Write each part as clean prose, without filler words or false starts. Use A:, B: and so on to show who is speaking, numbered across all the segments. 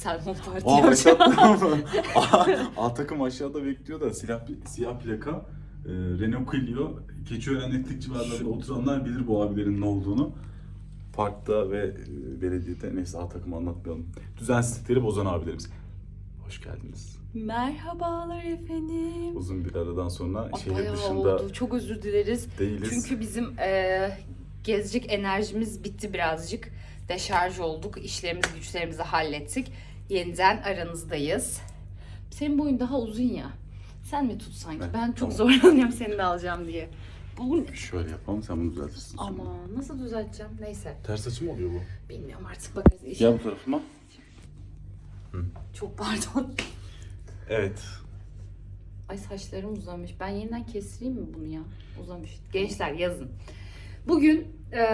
A: Selman Parti
B: Aa
A: yapacağım.
B: başlattım. A takım aşağıda bekliyor da siyah plaka. Renault Clio. Keçiören Etlik civarlarında oturanlar bilir bu abilerin ne olduğunu. Parkta ve belediyede, neyse A takımı anlatmayalım. Düzensizlikleri bozan abilerimiz. Hoş geldiniz.
A: Merhabalar efendim.
B: Uzun bir aradan sonra şehir
A: Bayağı
B: dışında
A: oldu. Çok özür dileriz.
B: değiliz.
A: Çünkü bizim gezecek enerjimiz bitti birazcık. Deşarj olduk. İşlerimizi, güçlerimizi hallettik. Yeniden aranızdayız. Senin boyun daha uzun ya. Sen mi tut sanki?
B: Evet,
A: Ben çok
B: tamam.
A: zorlanıyorum seni de alacağım diye. Bu ne?
B: Şöyle yapalım, sen bunu düzeltirsin sonra.
A: Ama nasıl düzelteceğim? Neyse.
B: Ters açı mı oluyor bu?
A: Bilmiyorum artık bakarız.
B: Gel bu tarafıma.
A: Çok pardon.
B: Evet.
A: Ay saçlarım uzamış. Ben yeniden kestireyim mi bunu ya? Uzamış. Gençler yazın. Bugün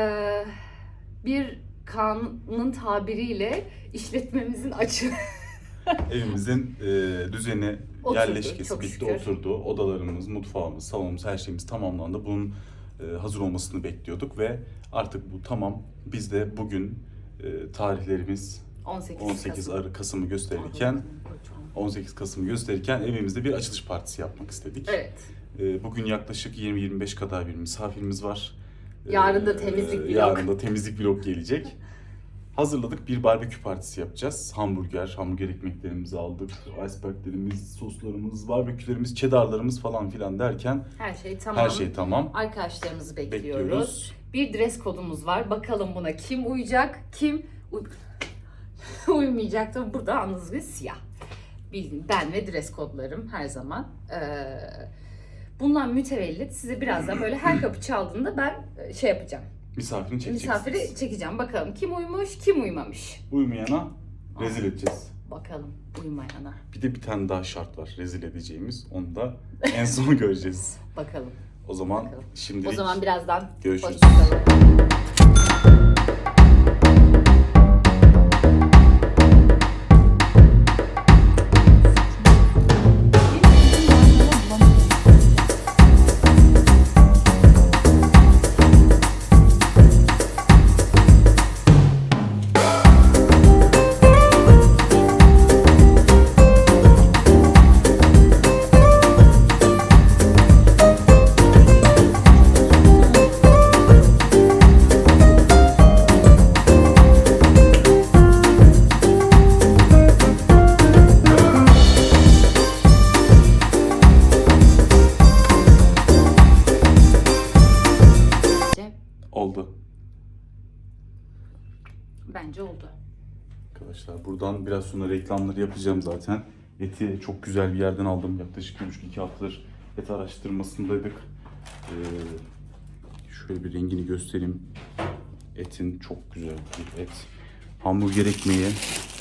A: bir kanun tabiriyle işletmemizin açığı
B: Evimizin düzeni,
A: Oturdu,
B: yerleşkesi
A: çok
B: bitti,
A: şükür.
B: oturdu. Odalarımız, mutfağımız, salonumuz, her şeyimiz tamamlandı. Bunun hazır olmasını bekliyorduk ve artık bu tamam. Biz de bugün tarihlerimiz 18 Kasım'ı gösterirken 18 Kasım'ı gösterirken evimizde bir açılış partisi yapmak istedik.
A: Evet.
B: Bugün yaklaşık 20-25 kadar bir misafirimiz var.
A: Yarın da temizlik vlog.
B: Yarın da temizlik vlog gelecek. Hazırladık, bir barbekü partisi yapacağız. Hamburger ekmeklerimizi aldık. Iceberglerimiz, soslarımız, barbekülerimiz, cheddarlarımız falan filan derken
A: Her şey tamam.
B: her şey tamam.
A: Arkadaşlarımızı bekliyoruz.
B: Bekliyoruz.
A: Bir dress kodumuz var. Bakalım buna kim uyacak, kim uymayacak. Tabii burada yalnız bir siyah. Bildiğin ben ve dress kodlarım her zaman. Bundan mütevellit size birazdan böyle her kapı çaldığında ben şey yapacağım.
B: Misafirini çekeceksiniz.
A: Misafiri çekeceğim. Bakalım kim uymuş, kim uymamış.
B: Uymayana rezil edeceğiz.
A: Bakalım uymayana.
B: Bir de bir tane daha şart var rezil edeceğimiz. Onu da en son göreceğiz.
A: Bakalım.
B: O zaman
A: Bakalım.
B: şimdilik
A: O zaman birazdan
B: görüşürüz.
A: hoşçakalın.
B: oldu.
A: Bence oldu.
B: Arkadaşlar buradan biraz sonra reklamları yapacağım zaten. Eti çok güzel bir yerden aldım. Yaklaşık 1,5-2 haftadır et araştırmasındaydık. Şöyle bir rengini göstereyim. Etin çok güzel bir et. Hamburger ekmeği.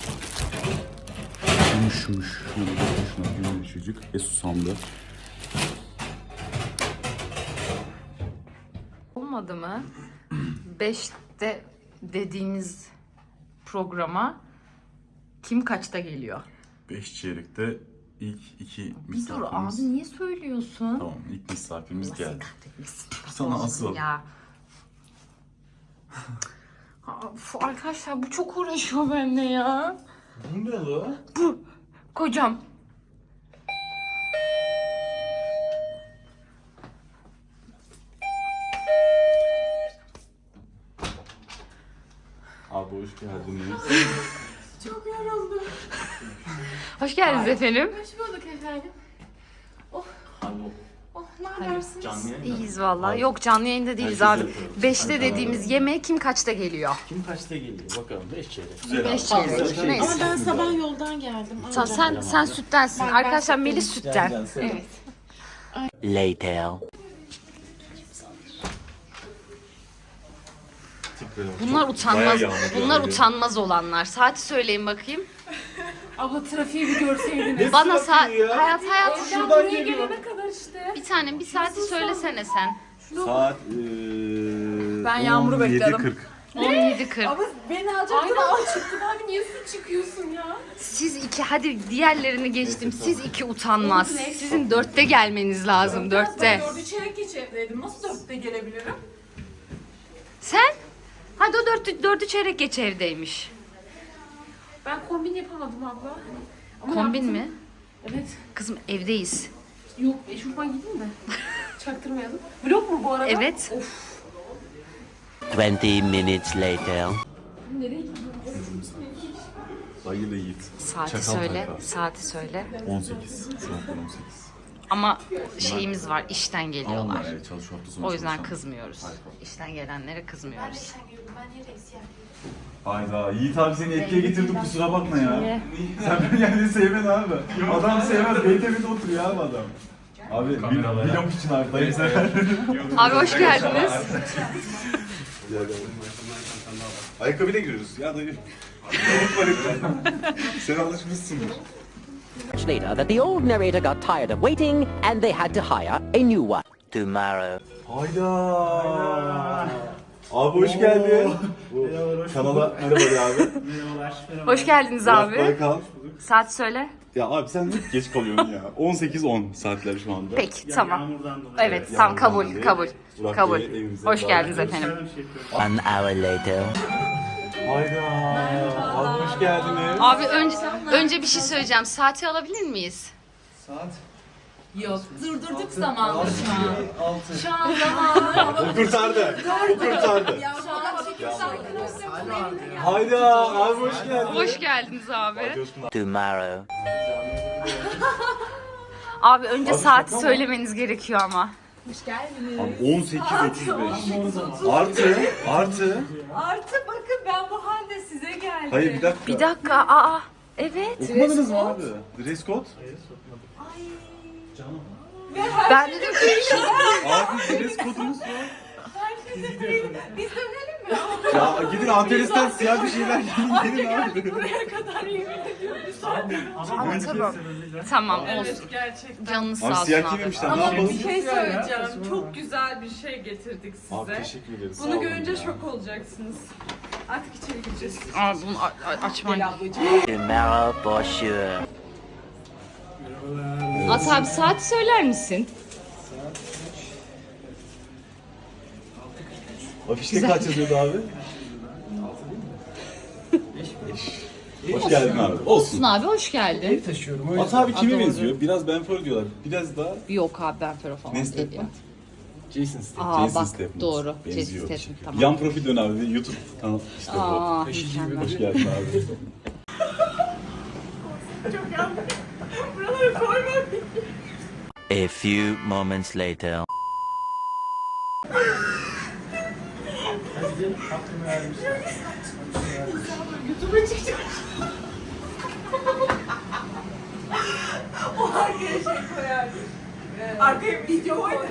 B: Yumuşmuş. Şuna yumuşacık ve susamlı.
A: Olmadı mı? 5'te dediğimiz programa kim kaçta geliyor?
B: 5 çeyrekte ilk 2
A: Bir dur
B: misafirimiz.
A: abi niye söylüyorsun?
B: Tamam, ilk misafirimiz
A: Allah
B: geldi.
A: kahretmesin.
B: Sana asıl.
A: Ya. Of, arkadaşlar bu çok uğraşıyor benimle ya.
B: Bu ne la?
A: Kocam.
B: Abi hoş geldiniz.
C: Çok yoruldum.
A: Hoş geldiniz efendim.
C: Hoş bulduk efendim. Oh, oh ne
A: Hayır.
C: habersiniz?
D: Canlı yayın.
A: İyiyiz vallahi. Yok canlı yayında değiliz
D: Herkes
A: abi.
D: yapıyor.
A: 5'te
D: Hadi
A: dediğimiz
D: beraber.
A: yemeğe kim kaçta geliyor?
D: Kim kaçta geliyor? Bakalım 5 çeyrek.
B: Güzel
A: 5
B: abi.
A: çeyrek.
D: Güzel.
A: Neyse.
C: Ama ben sabah yoldan geldim.
A: Sen süttensin.
C: Ben
A: Arkadaşlar
C: sütten.
A: Melis sütten.
C: Evet.
D: Later.
A: Bunlar utanmaz. Bunlar utanmaz olanlar. Saati söyleyin bakayım.
C: Abla trafiği bir görseydiniz.
A: Bana saat hayat
C: Evden buraya gelene kadar işte.
A: bir tanem bir saati söylesene sen.
B: Saat
C: Ben Yağmur'u bekledim.
A: 17:40.
C: Ama beni alacaktın ama çıktın abi niye su çıkıyorsun ya?
A: Siz iki hadi diğerlerini geçtim. Siz iki utanmaz. Sizin 4'te gelmeniz lazım. 4'te.
C: 4'ü çeyrek geç evdeydim. Nasıl 4'te gelebilirim?
A: Sen? Hadi o 4'ü çeyrek geç evdeymiş.
E: Ben kombin yapamadım abla. Ama
A: Kombin
E: yaptım.
A: mi?
E: Evet.
A: Kızım evdeyiz.
E: Yok eşofman giydim de. Çaktırmayalım. Vlog mu bu arada?
A: Evet.
E: Of.
D: 20 minutes later.
E: Nereye gidiyoruz?
B: Dayıyla Yiğit.
A: Saati
B: Çakal
A: söyle.
B: tayfa.
A: Saati söyle.
B: 18. Saatler 18.
A: Ama şeyimiz var. İşten
B: Ama
A: geliyorlar.
B: evet, çalışıyor hafta sonu.
A: O yüzden
B: çalışan.
A: kızmıyoruz. İşten gelenlere kızmıyoruz.
B: Hayda, Yiğit abi seni etkiye getirdik, kusura bakma ya.
A: Niye?
B: Sen beni yani sevmedin abi. Adam sevmez, BTV'de oturuyor abi adam. Abi vlog için abi, dayı sever.
A: Abi hoş geldiniz.
B: Ayakkabıyla giriyoruz ya dayı. Sen alışmışsındır.
F: Later that the old narrator got tired of waiting and they had to hire a new one.
D: Tomorrow.
B: Hayda. Abi hoş geldin. Kanala merhaba de abi.
A: Hoş geldiniz
B: Biraz
A: abi.
B: böyle kal.
A: Saat söyle.
B: Ya abi sen hep geç kalıyorsun ya. 18-10 saatler şu anda.
A: Peki tamam. Evet tamam kabul
B: dolayı
A: kabul.
B: Burak
A: Kabul.
B: Bey'e evimize
A: Hoş
B: davet
A: geldiniz
B: ediyoruz.
A: efendim.
D: 1 hour later.
B: Hayda. Abi hoş geldiniz.
A: Abi önce bir şey söyleyeceğim. Saati alabilir miyiz?
G: Yok, durdurduk zamanı şu an. Şu an zamanı.
B: O kurtardı. O kurtardı.
G: Şu an çıkıştan
B: Hayda abi hoş geldin.
A: Hoş geldiniz abi.
D: Tomorrow.
A: Abi önce saati söylemeniz gerekiyor ama.
B: Abi 18.35. Artı.
G: Artık bakın ben bu halde size geldim.
B: Hayır bir dakika.
A: Bir dakika. Aa. Evet.
B: Okumadınız mı abi? Dress code?
A: Ben dedim ki
B: Abi dress code'umuz var.
G: Biz dönelim mi?
B: Ya gidin Antalya'dan siyah bir şeyler giyin gelin abi.
G: Buraya kadar yemin ediyorum.
A: tamam olsun.
G: Evet gerçekten.
A: Canınız
B: Abi
A: sağ olsun
B: siyah
A: abi.
B: giymemişler ne
G: Ama
B: yapalım?
G: bir şey söyleyeceğim. Çok güzel bir şey getirdik size.
B: Abi teşekkür ederiz. sağ
G: Bunu
B: olun
G: görünce
B: ya.
G: şok olacaksınız. Artık içeri gireceğiz.
A: Abi bunu açman.
D: Tomorrow for sure.
A: At abi saati söyler misin?
B: Afişte kaç yazıyordu abi? Hoş geldin abi. Olsun.
A: Abi hoş geldin.
B: At abi kime benziyor? Biraz Benford diyorlar. Biraz daha
A: Yok abi ben Fero falan
B: ne
A: değil ya.
B: Statham? Jason Statham.
A: Aa,
B: Jason
A: bak,
B: Statham.
A: doğru.
B: Benziyor
A: Jason
B: bir
A: Statham,
B: şekilde.
A: tamam.
B: Yan profil dön abi. YouTube kanal işte bu.
A: Aa, mükemmel.
B: Hoş geldin abi.
D: A few moments later.
G: Arkaya şey koyardım. Arkaya video koyardım.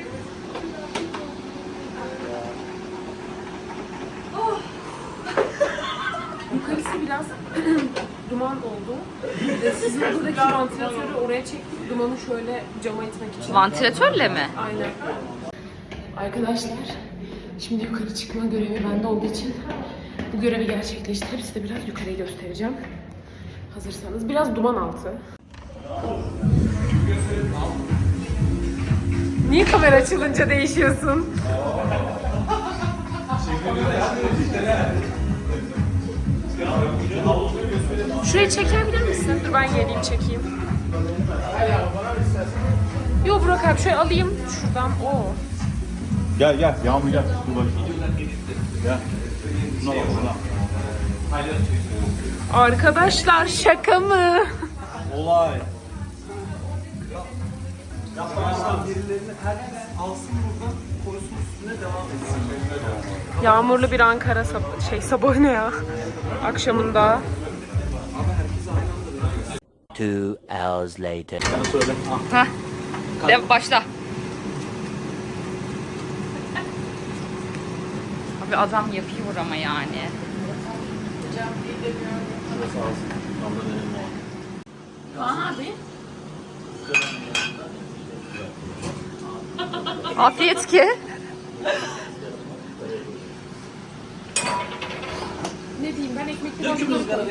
E: Yukarısı biraz duman oldu. Sizin buradaki vantilatörü oraya çektik. Dumanı şöyle cama itmek için.
A: Vantilatörle mi?
E: Aynen. Arkadaşlar, şimdi yukarı çıkma görevi bende olduğu için bu görevi gerçekleştirip size biraz yukarıyı göstereceğim. Hazırsanız. Biraz duman altı. Niye kamera açılınca değişiyorsun? Şurayı çekebilir misin? Dur ben geleyim çekeyim. Yo Burak abi şöyle alayım şuradan. Oo.
B: Gel Yağmur gel. Dur bakayım. Gel. Şuna bak şuna.
E: Arkadaşlar şaka mı?
B: Olay.
E: Yağmurlu bir Ankara sabahı ne ya? Akşamında.
D: 2 hours later.
B: Sen söyle.
A: Hah. De başla. Abi adam yapıyor ama yani. Afiyet ki.
E: Ne diyeyim ben ekmekli bakıyorum.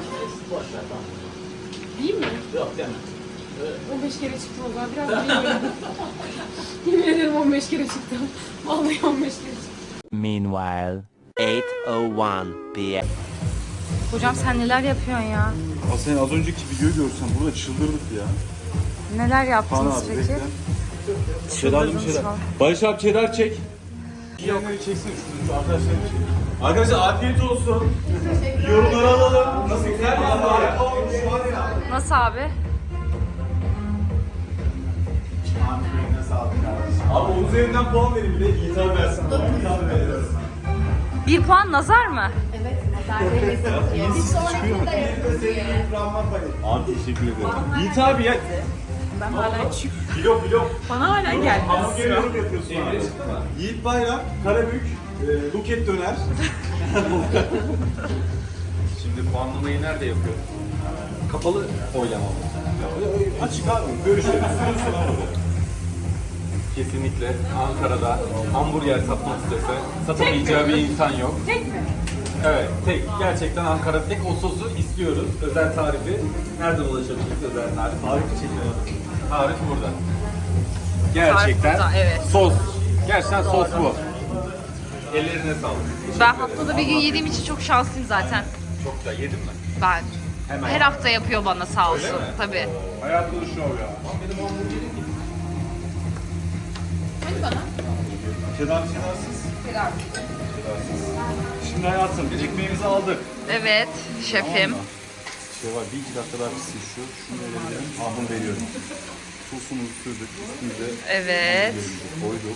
E: Değil mi? Yok yani. 15 kere çıktım o zaman biraz bilmiyorum. Yemin ederim 15 kere çıktım. Vallahi 15 kere çıktım.
D: Meanwhile, 8:01 p.m.
A: Hocam sen neler yapıyorsun ya?
B: Aa, sen az önceki videoyu görsen burada çıldırdık ya.
A: Neler
B: Kaan
A: yaptınız
B: abi
A: peki?
B: bekle. Çedarlı bir şeyler.
A: falan.
B: Barış abi çedar çek. Yiyenleri çeksin şu arkadaşlar çek. Arkadaşlar afiyet olsun. Yorumları alalım. Nasıl güzel mi?
A: Nasıl abi?
B: Abi 10 üzerinden puan verin bir de Yiğit abi versin. Yiğit abi veriyoruz.
A: 1 puan nazar mı?
B: Abi teşekkür ederim. Yiğit abi ya.
E: Ben hala çık.
B: Vlog.
E: Bana hala gelmez.
B: Hamburger yorum yapıyorsun abi. Yiğit Bayram, Karabük, Buket Döner.
C: Şimdi puanlamayı nerede yapıyor? Kapalı oylama mı?
B: Açık abi. Görüşürüz.
C: Kesinlikle Ankara'da hamburger satmak istese satamayacağı bir insan yok.
E: Tek mi?
C: Evet, tek. Gerçekten Ankara tek o sosu istiyoruz. Özel tarifi. Nereden ulaşabiliriz özel tarif? Tarifi çekiyoruz. Tarif burada. Gerçekten
A: burada, evet.
C: sos. Gerçekten sos bu. Ellerine sağlık.
A: Ben haftada bir gün yediğim için çok şanslıyım zaten.
C: Çok da yedin mi?
A: Ben.
C: Hemen.
A: Her hafta yapıyor bana sağ olsun.
C: Öyle mi?
A: Tabii.
C: Hayatlı şov ya.
B: Çedarsız. Şimdi hayatım ekmeğimizi aldık.
A: Evet şefim.
B: Şey var, bir iki dakika daha pişsin şu. Şunu verebilirim. Ahını veriyorum. Sosumuzu sürdük. Üstümüze
A: Evet.
B: koyduk.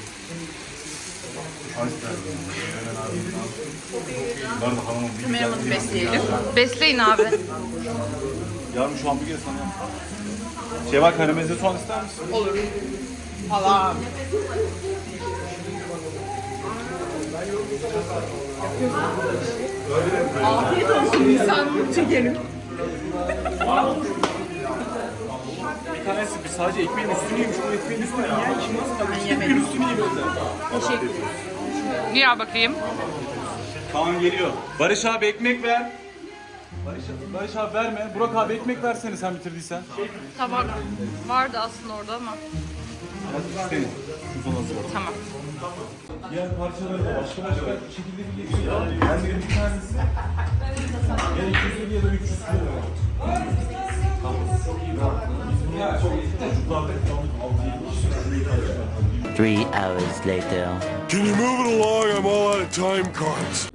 B: Hemen abi. Var da hanımın bir
E: Kameramızı besleyelim.
A: Besleyin abi.
B: Yarın şu hamburgeri sana yap. Şey var, karamelize soğan ister misin?
E: Olur. Falan. Afiyet olsun insan çekelim.
B: Bir tanesi bir sadece ekmeğin üstünü yemiş. Bu ekmeğin üstünü yiyen kim nasıl? Ekmeğin üstünü yemişler.
E: Teşekkür ederim.
A: Gel bakayım.
B: Kaan geliyor. Barış abi ekmek ver. Barış abi verme. Burak abi ekmek versene sen bitirdiysen.
A: Tabak vardı aslında orada ama.
B: Hadi senin. Şu son hazırladım.
A: Tamam.
B: Diğer parçaları da başka şekilde bir geçiyor. Ben de bir tanesi. Ya 250 ya da 300 kilo. Tamam. Ya çok çocuklarda kaldık 6-7 kişi.
D: 3 hours later.
H: Can you move it along? I'm all out of time cards.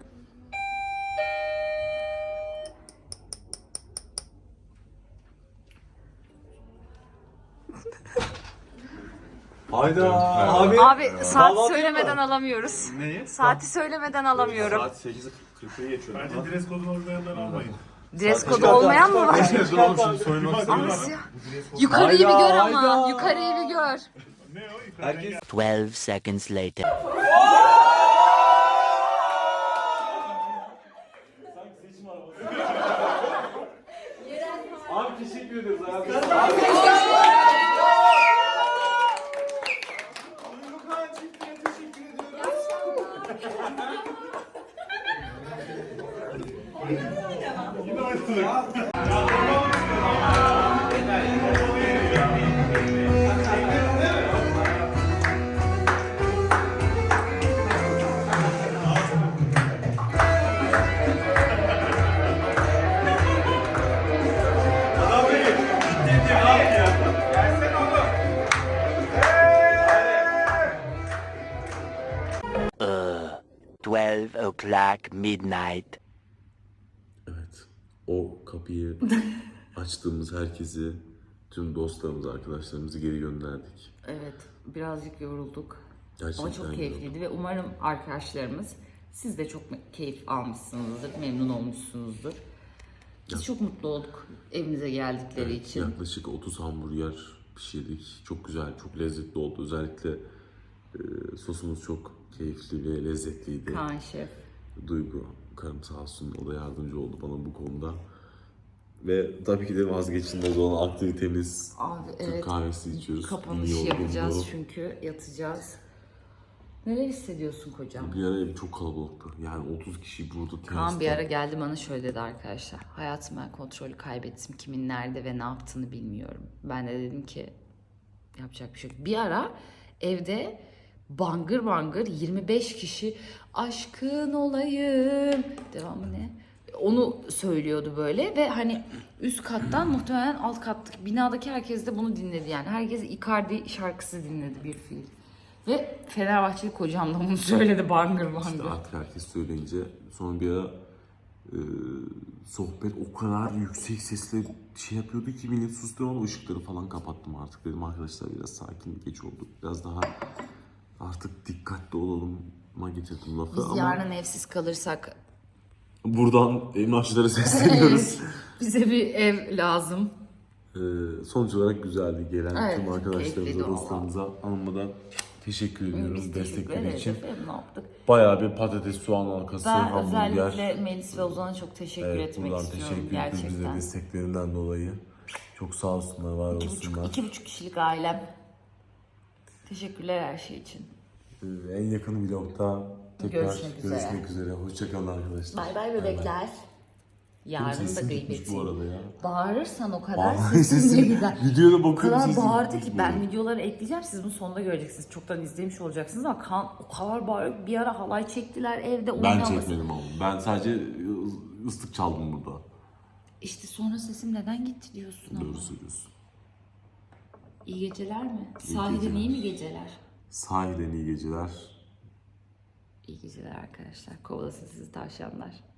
B: Hayda abi.
A: Abi saat
B: Kahvaltı
A: söylemeden
B: mı?
A: alamıyoruz.
B: Neyi?
A: Saati söylemeden alamıyorum.
B: Saat 8:40'a geçiyor.
I: Bence dress kodunu olmayandan almayın.
A: Dress kodu olmayan mı var?
B: Oğlum şimdi soyunmak
A: Nasıl ya? Yukarıyı bir gör ama.
B: hayda.
A: Yukarıyı bir gör.
I: Ne o? Yukarıdan
B: Herkes
D: 12 seconds later.
B: Abi teşekkür ederiz hayatım.
D: Uh, 12 o'clock midnight.
J: Evet, o kapıyı açtığımız herkesi, tüm dostlarımızı, arkadaşlarımızı geri gönderdik.
A: Evet, birazcık yorulduk.
J: Gerçekten
A: Ama çok keyifliydi ve umarım arkadaşlarımız siz de çok keyif almışsınızdır, memnun olmuşsunuzdur. Biz çok mutlu olduk evinize geldikleri
J: Evet,
A: için.
J: yaklaşık 30 hamburger pişirdik. Çok güzel, çok lezzetli oldu. Özellikle sosumuz çok keyifli ve lezzetliydi.
A: Kaan Şef.
J: Duygu, karım sağ olsun, o da yardımcı oldu bana bu konuda. Ve tabii ki de vazgeçilmez olan aktivitemiz,
A: Abi
J: Türk
A: evet,
J: kahvesi içiyoruz.
A: kapanış
J: Yorgunluğu.
A: yapacağız çünkü yatacağız. Neler hissediyorsun kocam?
J: Bir ara ev çok kalabalıktı. Yani 30 kişi burada
A: Kaan bir ara geldi bana şöyle dedi arkadaşlar. Hayatım ben kontrolü kaybettim. Kimin nerede ve ne yaptığını bilmiyorum. Ben de dedim ki yapacak bir şey yok. Bir ara evde bangır bangır 25 kişi aşkın olayım. Devamı ne? Onu söylüyordu böyle ve hani üst kattan muhtemelen alt kattaki binadaki herkes de bunu dinledi yani. Herkes Icardi şarkısı dinledi bir fiil. Ve Fenerbahçeli kocam da bunu söyledi bangır bangır.
J: İşte artık herkes söyleyince sonra bir ara sohbet o kadar yüksek sesle şey yapıyordu ki millet sustu ama ışıkları falan kapattım artık dedim arkadaşlar biraz sakin geç oldu. Biraz daha artık dikkatli olalıma getirdim lafı
A: Biz
J: ama
A: yarın evsiz kalırsak
J: buradan emlakçılara sesleniyoruz.
A: bize bir ev lazım.
J: Sonuç olarak güzeldi gelen
A: Evet,
J: tüm arkadaşlarımıza,
A: keyifliydi
J: dostlarımıza, hanıma da teşekkür ediyorum
A: Biz
J: destekleri
A: teşekkür ederiz
J: için.
A: efendim, ne yaptık?
J: Bayağı bir patates, soğan halkası,
A: Ben
J: hamburger.
A: özellikle Melis ve Ozan'a çok teşekkür
J: Evet,
A: etmek
J: buradan
A: istiyorum
J: teşekkür ederiz bize
A: gerçekten.
J: desteklerinden dolayı. Çok sağ olsunlar, var olsunlar.
A: 2,5 kişilik ailem. Teşekkürler her şey için.
J: En yakın vlogda tekrar
A: Görüşmek
J: görüşmek
A: üzere.
J: üzere. Hoşçakalın arkadaşlar.
A: Bay bay bebekler. Yarın da
J: Sesim gitmiş
A: gıybeti.
J: bu arada ya.
A: Bağırırsan o kadar
J: Vallahi
A: sesin ne güzel.
J: Videoda
A: O
J: bakıyorum
A: kadar
J: sesim
A: bağırdı
J: gitmiş
A: ki
J: bu
A: ben
J: arada.
A: videoları ekleyeceğim. Siz bunu sonunda göreceksiniz. Çoktan izlemiş olacaksınız ama Kaan o kadar bağırıyor. Bir ara halay çektiler evde.
J: Ben
A: oynaması.
J: çekmedim ama. Ben sadece ıslık çaldım burada.
A: İşte sonra sesim neden gitti diyorsun ama.
J: Doğru söylüyorsun.
A: İyi geceler mi?
J: İyi
A: Sahiden
J: geceler.
A: iyi mi geceler?
J: Sahiden iyi geceler.
A: İyi geceler arkadaşlar. Kovalasın sizi tavşanlar.